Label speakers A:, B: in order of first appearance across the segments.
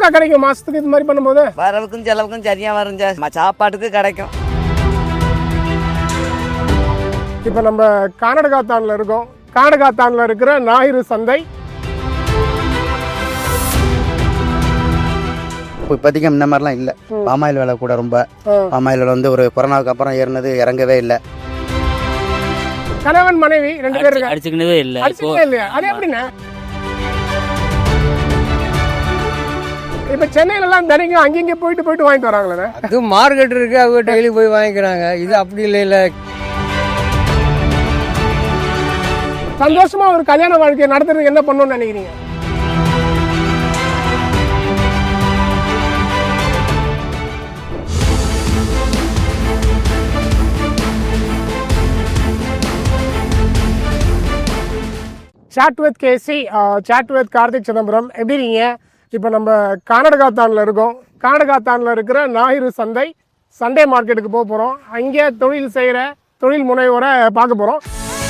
A: எவ்வளோக்கா கிடைக்கும் மாசத்துக்கு இது மாதிரி பண்ணும்போது?
B: வரவுக்கும் செலவுக்கும் சரியா வரும் சார். சாப்பாட்டுக்கு கிடைக்கும்.
A: இப்போ நம்ம கர்நாடகாத்தானில் இருக்கோம். கர்நாடகாத்தானில் இருக்கிற ஞாயிறு சந்தை.
C: இப்போ இப்போதைக்கு இந்த மாதிரிலாம் இல்லை. பாமாயில் விலை கூட ரொம்ப. பாமாயில் விலை வந்து ஒரு கொரோனாவுக்கு அப்புறம் ஏறினது இறங்கவே இல்லை.
A: கணவன் மனைவி 2 பேர்
D: அடிச்சுக்கினதே இல்லை.
A: இல்லையா? அது எப்படின்னா இப்போ சென்னையிலலாம் தினைக்கும் அங்கங்கே போயிட்டு வாங்கிட்டு வராங்களே.
E: அது மார்க்கெட் இருக்கு, அவங்க டெய்லி போய் வாங்கிக்கிறாங்க. இது அப்படி இல்லை.
A: சந்தோஷமா ஒரு கல்யாண வாழ்க்கையை நடத்துறதுக்கு என்ன பண்ணணும்னு நினைக்கிறீங்க? Chat with KC, chat with Karthik Chidambaram. எப்படி இருக்கீங்க? இப்போ நம்ம கர்நாடகாத்தானில் இருக்கோம். கர்நாடகாத்தானில் இருக்கிற ஞாயிறு சந்தை, சண்டே மார்க்கெட்டுக்கு போக போகிறோம். அங்கே தொழில் செய்கிற தொழில் முனைவோரை பார்க்க போகிறோம்.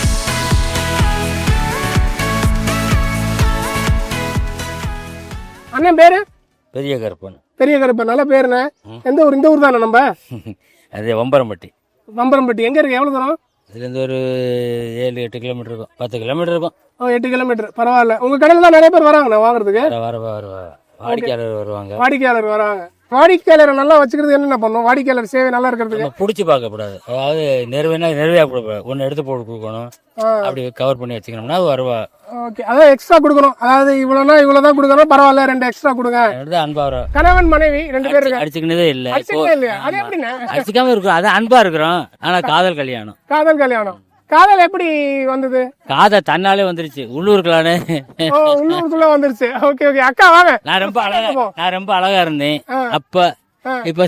A: அண்ணன் பேரு
D: பெரிய கருப்பன்.
A: பெரிய கருப்பன், நல்ல பேருண்ணே. எந்த ஊர்? இந்த ஊர் தானே நம்ம?
D: அது வம்பரம்பட்டி.
A: வம்பரம்பட்டி எங்கே இருக்கு? எவ்வளோ தூரம்?
D: இதுலேருந்து ஒரு 7-8 கிலோமீட்டர் இருக்கும். 10 கிலோமீட்டர் இருக்கும்.
A: 8 கிலோமீட்டர். பரவாயில்ல. உங்கள் கடையில் தான் நிறைய பேர் வராங்கண்ணா வாங்குறதுக்கு?
D: வாடிக்கையாளர் வருவாங்க.
A: வாடிக்கையாளர் வராங்க. வாடிக்கையாளரை நல்லா வச்சுக்கிறது என்னென்ன பண்ணும்? வாடிக்கையாளர் சேவை நல்லா இருக்கிறதுக்கு
D: பிடிச்சி பார்க்கக்கூடாது. அதாவது நிறைவேயா கொடுப்பேன். ஒன்று எடுத்து போட்டு கொடுக்கணும். அப்படி கவர் பண்ணி வச்சுக்கணும்னா அது வருவா.
A: ஓகே, அதான் எக்ஸ்ட்ரா கொடுக்கணும். அதாவது இவ்வளோதான் கொடுக்கணும், பரவாயில்ல 2 எக்ஸ்ட்ரா கொடுங்க.
D: அன்பா வரும்.
A: கணவன் மனைவி 2 பேர்
D: அடிச்சுக்கினதே இல்லை.
A: இல்லையா? அது எப்படின்னா
D: அடிச்சுக்காம இருக்கும். அது அன்பா இருக்கிறோம். ஆனா காதல் கல்யாணம்.
A: காதல் எப்படி வந்தது?
D: காதல் தன்னாலே வந்துருச்சு. உள்ளூருக்குள்ளானே
A: உள்ளூருக்குள்ள வந்துருச்சு. Okay okay. அக்கா வாங்க.
D: நான் ரொம்ப அழகா இருந்தேன் அப்ப. இப்ப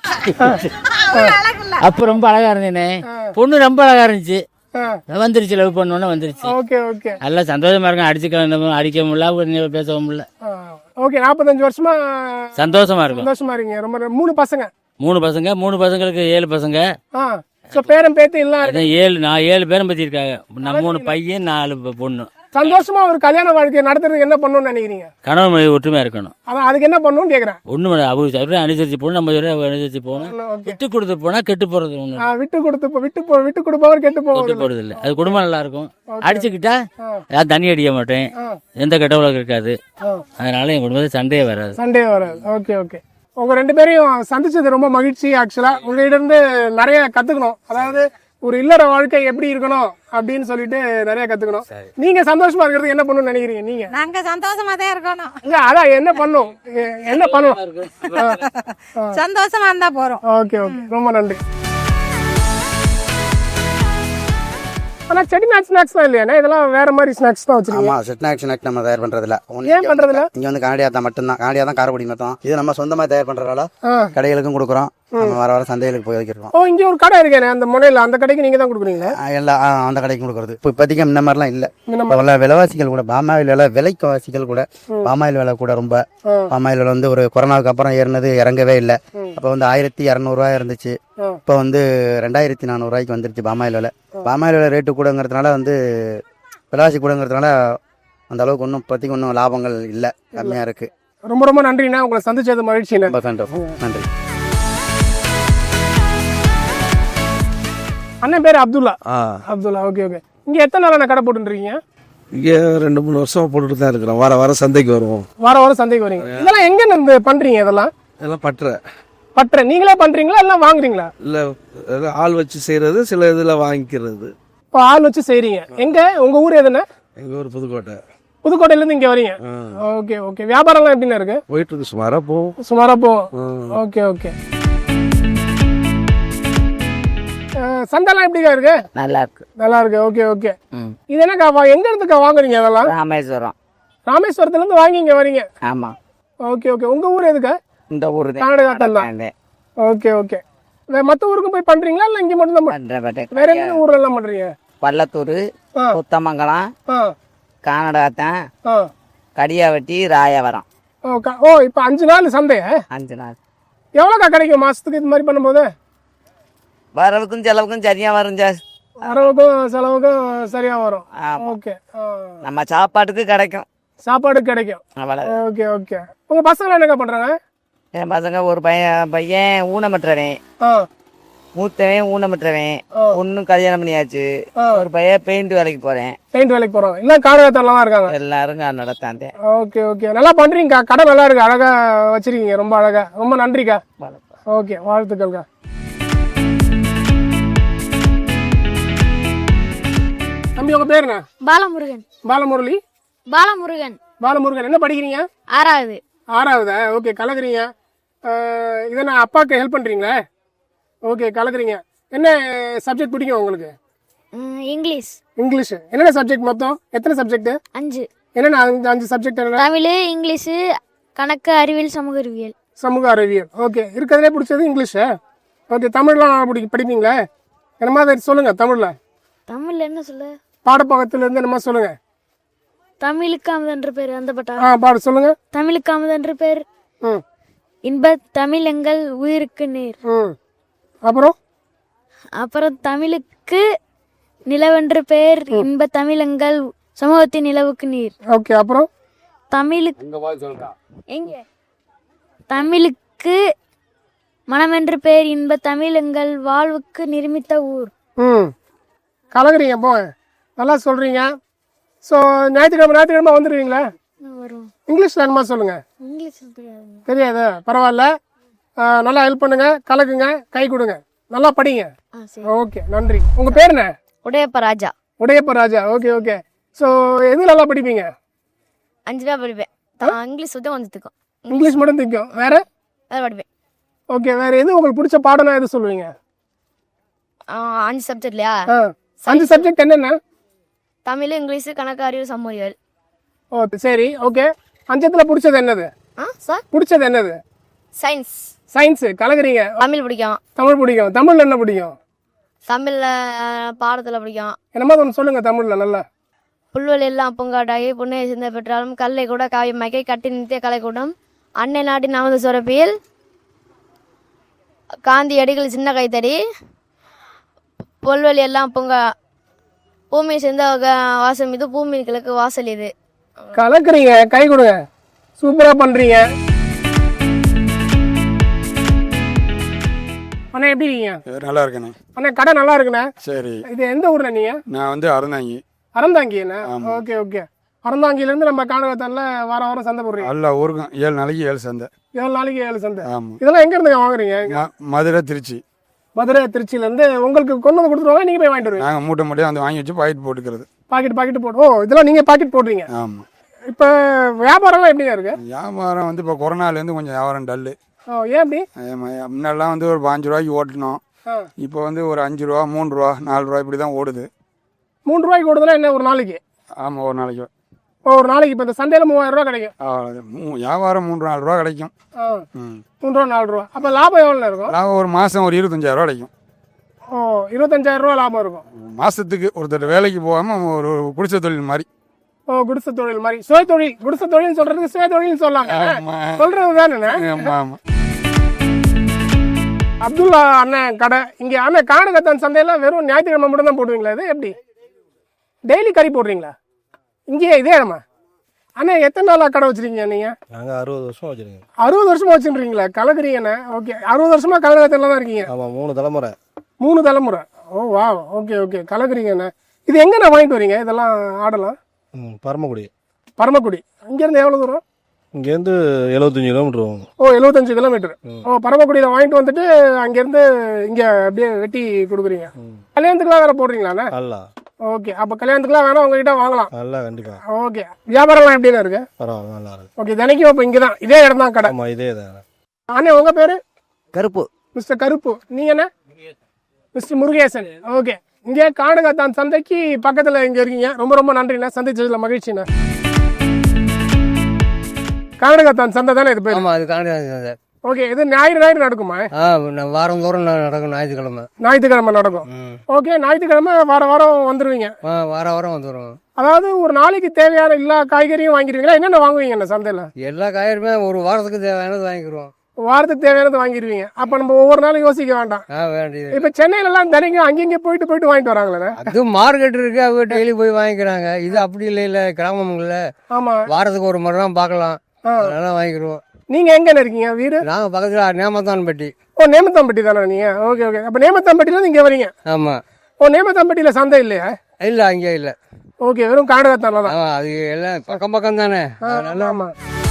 D: அப்ப ரொம்ப அழகா இருந்தேனே. பொண்ணு ரொம்ப அழகா இருந்துச்சு. வந்துருச்சு. லவ் பண்ணோன்னு வந்துருச்சு.
A: Okay okay.
D: நல்லா சந்தோஷமா இருக்கும். அடிக்க முடியல, பேசவும் முடியல.
A: ஓகே. 45 வருஷமா
D: சந்தோஷமா இருக்கும்.
A: சந்தோஷமா இருக்கீங்க. ரொம்ப 3 பசங்க.
D: 3 பசங்களுக்கு 7 பசங்க.
A: பேரம் பேத்து எல்லாம்
D: 7 பேரும் பத்தி இருக்காங்க. 3 பையன் 4 பொண்ணு.
A: சந்தோஷமா ஒரு கல்யாண வாழ்க்கையை நடத்துறதுக்கு என்ன பண்ணணும்னு நினைக்கிறீங்க?
D: கணவன் மனைவி ஒற்றுமையா இருக்கணும்.
A: அதான் அதுக்கு என்ன பண்ணணும்னு கேக்குறேன்.
D: ஒண்ணு அவங்க அனுசரிச்சு போகணும். நம்ம அனுசரிச்சு போகணும். விட்டு கொடுத்து போனா கெட்டு போறது ஒண்ணு.
A: விட்டு கொடுப்பவர் கெட்டு
D: போறது இல்லை. அது குடும்பம் நல்லா இருக்கும். அடிச்சுக்கிட்டா யாரும் தண்ணி அடிக்க மாட்டேன். எந்த கெட்ட உலகம் இருக்காது. அதனால என் குடும்பத்தில் சண்டையே வராது.
A: Okay okay. உங்க 2 பேரையும் சந்திச்சது ரொம்ப மகிழ்ச்சி. ஆக்சுவலா உங்ககிட்ட இருந்து நிறைய கத்துக்கணும். அதாவது ஒரு இல்லற வாழ்க்கை எப்படி இருக்கணும் அப்படின்னு சொல்லிட்டு நிறைய கத்துக்கணும். நீங்க சந்தோஷமா இருக்கிறதுக்கு என்ன பண்ணணும்னு நினைக்கிறீங்க? நீங்க?
F: நாங்க சந்தோஷமா தான் இருக்கணும்.
A: அதான் என்ன பண்ணணும்?
F: சந்தோஷமா இருந்தா போறோம்.
A: Okay okay. ரொம்ப நன்றி. ஆனா செட்டிநாட் ஸ்நாக்ஸ் தான் இல்லையா? இதெல்லாம் வேற மாதிரி ஸ்நாக்ஸ் தான் வச்சிருக்கீங்க.
C: ஆமா, செட்டிநாட் ஸ்நாக்ஸ் நம்ம தயார் பண்றதுல.
A: ஏன் பண்றதுல?
C: இங்க வந்து கனடியா மட்டும்தான். கனடியா தான் காரக்குடி மட்டும். இது நம்ம சொந்தமா தயார் பண்றதால கடைகளுக்கும் கொடுக்குறோம். நம்ம வர சந்தைகளுக்கு போய் வைக்கிறோம்.
A: இங்க ஒரு கடை இருக்கேன் அந்த முனையில. அந்த கடைக்கு நீங்க தான் கொடுக்குறீங்களா?
C: எல்லாம் அந்த கடைக்கு கொடுக்குறது. இப்போ இப்போதைக்கு இந்த மாதிரிலாம் இல்லை. விலைவாசிகள் கூட பாமாயில் விலை விலைவாசிகள் கூட பாமாயில் விலை கூட ரொம்ப. பாமாயில் விலை வந்து ஒரு கொரோனாவுக்கு அப்புறம் ஏறினது இறங்கவே இல்லை. அப்போ வந்து 1200 ரூபாய் இருந்துச்சு. இப்போ வந்து 2400 ரூபாய்க்கு வந்துருச்சு பாமாயில் விலை. பாமாயில் விலை ரேட்டு கூடங்கிறதுனால வந்து விலைவாசி கூடங்கிறதுனால அந்த அளவுக்கு ஒன்றும் லாபங்கள் இல்லை, கம்மியாக இருக்கு.
A: ரொம்ப ரொம்ப நன்றிண்ணா. உங்களை சந்திச்சது மகிழ்ச்சி.
C: நன்றி.
A: அண்ணன் பேர் அப்துல்லா. Okay okay. இங்க எத்தனை நாள் கடை போட்டுருக்கீங்க?
G: இங்கே 2-3 வருஷமா போட்டுட்டு தான் இருக்கிறோம். வாரம் சந்தைக்கு வருவோம்.
A: வாரம் சந்தைக்கு வரீங்க. இதெல்லாம் எங்க இருந்து பண்றீங்க? இதெல்லாம் பற்ற நீங்களே பண்றீங்களா இல்ல வாங்குறீங்களா?
G: இல்ல, ஆள் வச்சு செய்யறது, சில இதுல வாங்கிக்கிறது.
A: இப்போ ஆள் வச்சு செய்றீங்க. எங்க உங்க ஊர் எதுனா?
G: எங்க ஊர் புதுக்கோட்டை.
A: புதுக்கோட்டையில இருந்து இங்க வரீங்க. Okay okay. வியாபாரம்லாம் எப்படின்னா இருக்கு?
G: போயிட்டு இருக்கு. சுமாரா போகும்.
A: Okay okay. சந்தைலாம் எப்படிக்கா இருக்கு? நல்லா இருக்கு. Okay okay. இது என்னக்கா எங்க இருந்துக்கா வாங்குறீங்க? அதெல்லாம் ராமேஸ்வரத்துல இருந்து வாங்கி இங்க வரீங்க?
B: ஆமா.
A: Okay okay. உங்க ஊர் எதுக்கா?
B: இந்த ஊர்
A: தான். Okay okay. மத்த ஊருக்கு போய் பண்றீங்களா இல்ல இங்க மட்டும் தான்? வேற என்ன ஊர்ல எல்லாம் பண்றீங்க?
B: பள்ளத்தூர், புத்தமங்கலம், கானடாத்தான், கடியாவட்டி, ராயவரம்.
A: இப்ப 5 நாள் சந்தை.
B: 5 நாள்.
A: எவ்வளோக்கா கிடைக்கும் மாசத்துக்கு இது மாதிரி பண்ணும்போது?
B: வரவுக்கும் செலவுக்கும் சரியா வரும் சார்.
A: வரவுக்கும் செலவுக்கும் சரியா வரும். ஓகே.
B: நம்ம சாப்பாட்டுக்கு கிடைக்கும்.
A: சாப்பாடு கிடைக்கும்.
B: அவ்வளோ.
A: Okay okay. உங்க பசங்க என்னங்க பண்றாங்க?
B: என் பசங்க ஒரு பையன் ஊனமற்றவன்,
A: ஆ
B: மூத்தவன் ஊனமற்றவன், ஒன்னும் கல்யாணம் பண்ணியாச்சு. ஒரு பையன் பெயிண்ட் வேலைக்கு போறேன்.
A: பெயிண்ட் வேலைக்கு போறோம். எல்லாம் காணகத்தான்ல தான் இருக்காங்க.
B: எல்லாரும் நடத்தாந்தேன்.
A: Okay okay. நல்லா பண்றீங்கக்கா. கடை நல்லா இருக்கு, அழகா வச்சிருக்கீங்க, ரொம்ப அழகா. ரொம்ப நன்றிக்கா. ஓகே, வாழ்த்துக்கள்க்கா. தம்பி உங்க பேர் என்ன?
F: பாலமுருகன்.
A: பாலமுரளி.
F: பாலமுருகன்.
A: பாலமுருகன். என்ன படிக்கிறீங்க?
F: 6வது.
A: 6வதா? ஓகே, கலக்குறீங்க. இதை நான் அப்பாவுக்கு ஹெல்ப் பண்றீங்களா? ஓகே, கலக்குறீங்க. என்ன சப்ஜெக்ட் பிடிக்கும் உங்களுக்கு?
F: இங்கிலீஷ்.
A: இங்கிலீஷ். என்னென்ன சப்ஜெக்ட் மொத்தம்? எத்தனை சப்ஜெக்ட்?
F: 5.
A: என்னென்ன 5 சப்ஜெக்ட்? என்ன?
F: தமிழ், இங்கிலீஷ், கணக்கு, அறிவியல், சமூக அறிவியல்.
A: சமூக அறிவியல். ஓகே, இருக்கிறதுலே பிடிச்சது இங்கிலீஷு. ஓகே, தமிழ்லாம் படிப்பீங்களா? என்ன மாதிரி சொல்லுங்க.
F: தமிழ்ல என்ன சொல்ல?
A: பாடப்பக்கத்துல இருந்து என்னமா சொல்லுங்க.
F: தமிழுக்கு அமுதென்ற பேர் அந்த பட்டா.
A: பாடு சொல்லுங்க.
F: தமிழுக்கு அமுதென்ற பேர்
A: ம்
F: இன்ப தமிழ் எங்கள் உயிருக்கு நீர்.
A: ம்
F: அப்புறம் தமிழுக்கு நிலவென்ற பெயர் இன்ப தமிழ் எங்கள் சமூகத்தின் நிலவுக்கு நீர்.
A: ஓகே, அப்புறம்
F: தமிழுக்கு மனமென்ற பெயர் இன்ப தமிழ் எங்கள் வாழ்வுக்கு நிர்மித்த ஊர்.
A: கலக்குறீங்க. போங்க, நல்லா சொல்றீங்க. ஸோ ஞாயிற்றுக்கிழமை வந்துடுவீங்களா?
F: வரும்.
A: இங்கிலீஷ்ல என்னமா சொல்லுங்க.
F: இங்கிலீஷ்
A: தெரியாது, பரவாயில்ல. நல்லா ஹெல்ப் பண்ணுங்க, கலக்குங்க, கை கொடுங்க, நல்லா படிங்க. ஓகே, நன்றி. உங்க பேர் என்ன?
F: Udayappa Raja.
A: Udayappa Raja. Okay okay. So எது நல்லா படிப்பீங்க?
F: 5 ரூபா படிப்பேன். இங்கிலீஷ் சுத்தம் கொஞ்சம் திக்கும்.
A: இங்கிலீஷ் மட்டும் திக்கும். வேற
F: படிப்பேன்.
A: ஓகே, வேற எது உங்களுக்கு பிடிச்ச பாடம்னா எது சொல்லுவீங்க?
F: 5 சப்ஜெக்ட்லையா?
A: 5 சப்ஜெக்ட் என்னென்ன?
F: தமிழ், இங்கிலீஷ், கணக்கு, அறிவு, சமூகவியல்.
A: ஓ சரி, ஓகே. 5த்துல பிடிச்சது என்னது?
F: சார்
A: பிடிச்சது என்னது?
F: சயின்ஸ்.
A: சயின்ஸ். கலக்குறீங்க.
F: தமிழ் பிடிக்கும்.
A: தமிழ் பிடிக்கும். தமிழ்ல என்ன பிடிக்கும்?
F: தமிழ்ல பாடத்துல பிடிக்கும்.
A: என்னமா ஒன்று சொல்லுங்க தமிழ்ல நல்லா.
F: புல்வெளி எல்லாம் பூங்காட்டாகி புண்ணிய சிந்த பெற்றாலும் கல்லை கூட காவியமாக்கி கட்டி நித்திய கலைக்கூடம் அன்னை நாட்டின் நமது சுரப்பியில் காந்தி அடிகள் சின்ன கைத்தடி புல்வெளி எல்லாம் பூங்கா பூமி சேர்ந்த வாசம் இது பூமி கிழக்கு வாசல் இது.
A: கலக்குறீங்க, கை கொடுங்க, சூப்பரா பண்றீங்க. அண்ணா எப்படி இருக்கீங்க?
H: நல்லா இருக்கேண்ணே.
A: அண்ணா கடை நல்லா இருக்குண்ணே.
H: சரி.
A: இது எந்த ஊர்ல நீங்க?
H: நான் வந்து அறந்தாங்கி.
A: அறந்தாங்கிண்ணே. Okay okay. அறந்தாங்கில இருந்து நம்ம காணகத்தான்ல வாரம் சந்தை போடுறீங்க?
H: எல்லா ஊருக்கும் 7 நாளைக்கு 7 சந்தை.
A: 7 நாளைக்கு 7 சந்தை.
H: ஆமாம்.
A: இதெல்லாம் எங்க இருந்து வாங்குறீங்க?
H: மதுரை, திருச்சி.
A: மதுரை, திருச்சியில இருந்து உங்களுக்கு கொண்டு வந்து கொடுத்துருவாங்க, நீங்க போய் வாங்கிட்டு வருவீங்க?
H: நாங்கள் மூட்டை மூட்டையாக வந்து வாங்கி வச்சு பாக்கெட் போட்டுக்கிறது.
A: பாக்கெட் போட்டு. ஓ, இதெல்லாம் நீங்க பாக்கெட் போடுறீங்க?
H: ஆமாம்.
A: இப்போ வியாபாரம்லாம் எப்படிங்க இருக்கு?
H: வியாபாரம் வந்து இப்போ கொரோனாலேருந்து கொஞ்சம் வியாபாரம் டல்லு.
A: ஓ, ஏன் அப்படி?
H: முன்னெல்லாம் வந்து ஒரு 5 ரூபாய்க்கு ஓட்டணும். இப்போ வந்து ஒரு 5 ரூபா, 3 ரூபா, 4 ரூபா இப்படி தான் ஓடுது.
A: 3 ரூபாய்க்கு ஓடுதுன்னா என்ன ஒரு நாளைக்கு?
H: ஆமாம், ஒரு நாளைக்கு.
A: ஒரு நாளைக்கு இப்போ இந்த சந்தையில் 3000 ரூபா கிடைக்கும்.
H: வியாபாரம் 3-4 ரூபா கிடைக்கும்.
A: 3 ரூபா 4 ரூபா. அப்போ லாபம் எவ்வளோ இருக்கும்?
H: லாபம் ஒரு மாதம் ஒரு 25,000 ரூபா கிடைக்கும்.
A: ஓ, 25,000 ரூபா லாபம் இருக்கும்
H: மாதத்துக்கு. ஒருத்தர் வேலைக்கு போகாமல் ஒரு குடிசை தொழில் மாதிரி.
A: ஓ, குடிசை தொழில் மாதிரி. சுய தொழில். குடிசை தொழில் சொல்றதுக்கு சுய தொழில் சொல்லலாம். சொல்றது தானே?
H: ஆமாம்.
A: அப்துல்லா அண்ணன் கடை இங்கே. அண்ணன் காணகத்தான் சந்தையில வெறும் ஞாயிற்றுக்கிழமை மட்டும் தான் போடுவீங்களா? இது எப்படி டெய்லி கறி போடுறீங்களா இங்கேயே இதே இடமா? அண்ணா எத்தனை நாளா கடை வச்சிருக்கீங்க நீங்க?
G: நாங்கள் 60 வருஷம் வச்சுருக்கோம்.
A: 60 வருஷமா வச்சுருக்கீங்களா? கலக்குறீங்கண்ணே. ஓகே, 60 வருஷமா காணகத்தான்ல தான் இருக்கீங்க?
G: ஆமாம், 3 தலைமுறை.
A: 3 தலைமுறை. ஓ வா, ஓகே ஓகே. கலக்குறீங்கண்ணே. இது எங்கண்ணா வாங்கிட்டு வரீங்க இதெல்லாம் ஆடலாம்?
G: பரமக்குடி.
A: பரமக்குடி. இங்கேருந்து எவ்வளோ தூரம்?
G: இங்கேருந்து 75 கிலோமீட்டர் வரும்.
A: ஓ, 75 கிலோமீட்டர். ஓ, பரமக்குடியில் வாங்கிட்டு வந்துட்டு அங்கேருந்து இங்கே அப்படியே வெட்டி கொடுக்குறீங்க. கல்யாணத்துக்குலாம் வேற போடுறீங்களாண்ணே?
G: அல்ல.
A: ஓகே, அப்போ கல்யாணத்துக்குலாம் வேணா உங்ககிட்ட வாங்கலாம்?
G: நல்லா, கண்டிப்பாக.
A: ஓகே, வியாபாரம்லாம் எப்படிண்ணா இருக்கு?
G: பரவாயில்ல, நல்லா இருக்கு.
A: ஓகே, தினைக்கும் இப்போ இங்கே தான் இதே இடம் தான் கடை?
G: ஆமாம், இதே தான்.
A: அண்ணே உங்கள் பேர்?
B: கருப்பு.
A: மிஸ்டர் கருப்பு. நீங்கள் என்ன? மிஸ்டர் முருகேசன். ஓகே, இங்கே காணகத்தான் சந்தைக்கு பக்கத்தில் இங்கே இருக்கீங்க. ரொம்ப ரொம்ப நன்றிண்ணா, சந்திச்சதில் மகிழ்ச்சிண்ணா. காணகத்தான் சந்தை தானே இது பேர்?
E: ஆமாம், அது காணகத்தான்.
A: ஓகே, இது ஞாயிறு நடக்குமா?
E: வாரம் தோறும் நடக்கும்.
A: ஞாயிற்றுக்கிழமை நடக்கும். ஓகே, ஞாயிற்றுக்கிழமை வாரம் வந்துருவீங்க?
E: வாரம் வந்துடும்.
A: அதாவது ஒரு நாளைக்கு தேவையான எல்லா காய்கறியும் வாங்கிடுவீங்களா? என்னென்ன வாங்குவீங்க அந்த சந்தையில்?
E: எல்லா காய்கறியுமே ஒரு வாரத்துக்கு தேவையானது வாங்கிக்கிறோம்.
A: வாரத்துக்கு தேவையானது வாங்கிடுவீங்க. அப்ப நம்ம ஒவ்வொரு நாளும் யோசிக்க வேண்டாம்.
E: வேண்டியது
A: இப்ப சென்னையில எல்லாம் தினைக்கும் அங்கங்க போயிட்டு வாங்கிட்டு வராங்களே.
E: அது மார்க்கெட் இருக்கு, அவங்க டெய்லி போய் வாங்கிக்கிறாங்க. இது அப்படி இல்ல கிராமங்கள்ல
A: ஆமா,
E: வாரத்துக்கு ஒரு முறை தான் பார்க்கலாம், அதெல்லாம் வாங்கிக்கிறோம்.
A: நீங்க எங்க இருக்கீங்க வீடு?
E: நாங்க பக்கத்துல நேமத்தான்பட்டி.
A: ஓ, நேமத்தாம்பட்டி தானே நீங்க? Okay okay. அப்ப நேமத்தாம்பட்டில இங்க வரீங்க?
E: ஆமா.
A: ஓ, நேமத்தாம்பட்டியில சந்தை இல்லையா?
E: இல்ல அங்கே இல்ல.
A: ஓகே, வெறும் காடகத்தான்ல தான்.
E: அது எல்லாம் பக்கம் பக்கம் தானே.
A: ஆமா.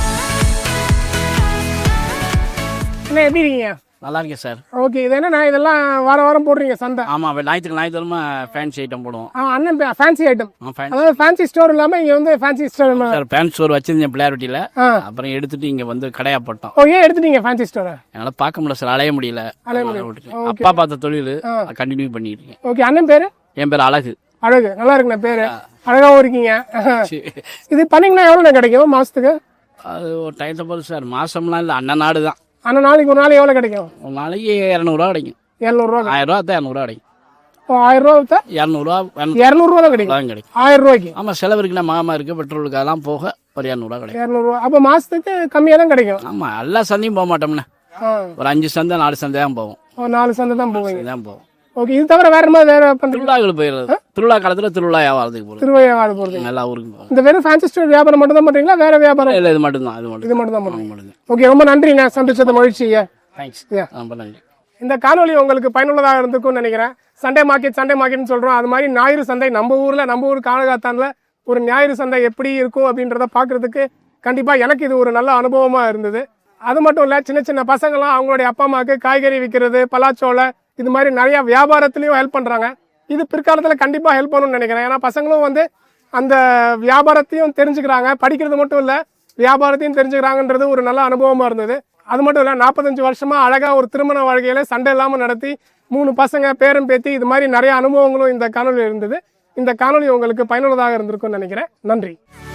A: என்ன எப்படி இருக்கீங்க?
D: நல்லா இருக்கேன் சார்.
A: ஓகே, இது என்னன்னா இதெல்லாம் வாரம் போடுறீங்க சந்தை?
D: ஆமாம், ஞாயிற்றுக்கிழமை ஃபேன்சி ஐட்டம் போடுவோம்.
A: அண்ணன் ஃபேன்சி ஐட்டம், அதாவது ஃபேன்சி ஸ்டோர் இல்லாம இங்க வந்து fancy store
D: sir. Fancy store வச்சிருந்தேன் பிள்ளையார்வட்டியில், அப்புறம் எடுத்துட்டு இங்கே வந்து கடையா போட்டோம்.
A: ஓ, ஏன் எடுத்துட்டீங்க ஃபேன்சி ஸ்டோரை?
D: என்னால் பார்க்க முடியல சார், அலைய முடியல. அப்பா பார்த்த தொழில் கண்டினியூ பண்ணிட்டு இருக்கேன்.
A: ஓகே, அண்ணன் பேரு?
D: என் பேர் அழகு.
A: அழகு, நல்லா இருக்குண்ணா பேரு, அழகாவும் இருக்கீங்க. இது பண்ணீங்கன்னா எவ்வளோ கிடைக்கும் மாசத்துக்கு?
D: அது ஒரு டைத்தை போது சார், மாசம்லாம் இல்லை, அண்ணன் நாடு தான்.
A: ஆனால் நாளைக்கு ஒரு நாள் எவ்வளோ கிடைக்கும்?
D: ஒரு நாளைக்கு 200 கிடைக்கும்.
A: 700
D: 1000 ரூபா தான் 200 கிடைக்கும்.
A: ஓ, 1000 ரூபா 200 தான் கிடைக்கும். 1000 ரூபாய்க்கு.
D: ஆமாம், செலவு இருக்குன்னா மாமா இருக்கு, பெட்ரோலுக்கு அதெல்லாம் போக ஒரு 200 கிடைக்கும்.
A: 200 அப்போ மாசத்துக்கு கம்மியாக தான் கிடைக்கும்.
D: ஆமாம், எல்லா சந்தையும் போக மாட்டோம்ண்ணே, ஒரு 5 சந்தை 4 சந்தை தான் போவோம்.
A: 4 சந்தை தான் போவீங்க?
D: தான் போவோம்.
A: ஓகே, இது தவிர வேற மாதிரி வேற பண்ணுறீங்க?
D: திருவிழாக்கள் போயிடுறது, திருவிழா காலத்தில் திருவிழா வியாபாரத்துக்கு போகிறது.
A: திருவையாவது போகிறது
D: எல்லா ஊருக்கும் போகும்.
A: இந்த வெறும் ஃபேன்சி ஸ்டோர் வியாபாரம் மட்டும் தான் பண்ணுறீங்களா, வேற வியாபாரம்?
D: இல்லை, இது மட்டும் தான்.
A: இது மட்டும் தான் பண்ணுறீங்க. ஓகே, ரொம்ப நன்றிங்க, சந்திச்சது மகிழ்ச்சிங்க.
D: தேங்க்ஸ். ரொம்ப நன்றி.
A: இந்த காணொலி உங்களுக்கு பயனுள்ளதாக இருந்திருக்கும்னு நினைக்கிறேன். சண்டே மார்க்கெட்னு சொல்கிறோம், அது மாதிரி ஞாயிறு சந்தை நம்ம ஊர் கானகாத்தான்ல ஒரு ஞாயிறு சந்தை எப்படி இருக்கும் அப்படின்றத பார்க்குறதுக்கு கண்டிப்பாக எனக்கு இது ஒரு நல்ல அனுபவமாக இருந்தது. அது மட்டும் இல்லை, சின்ன சின்ன பசங்களாம் அவங்களுடைய அப்பா அம்மாவுக்கு காய்கறி விற்கிறது, பலாச்சோலை, இது மாதிரி நிறைய வியாபாரத்துலேயும் ஹெல்ப் பண்ணுறாங்க. இது பிற்காலத்தில் கண்டிப்பாக ஹெல்ப் பண்ணணும்னு நினைக்கிறேன். ஏன்னா பசங்களும் வந்து அந்த வியாபாரத்தையும் தெரிஞ்சுக்கிறாங்க, படிக்கிறது மட்டும் இல்லை வியாபாரத்தையும் தெரிஞ்சுக்கிறாங்கன்றது ஒரு நல்ல அனுபவமாக இருந்தது. அது மட்டும் இல்லை, 45 வருஷமா அழகாக ஒரு திருமண வாழ்க்கையில் சண்டை இல்லாமல் நடத்தி 3 பசங்க பேரம் பேத்தி இது மாதிரி நிறைய அனுபவங்களும் இந்த காணொலியில் இருந்தது. இந்த காணொலி உங்களுக்கு பயனுள்ளதாக இருந்திருக்கும்னு நினைக்கிறேன். நன்றி.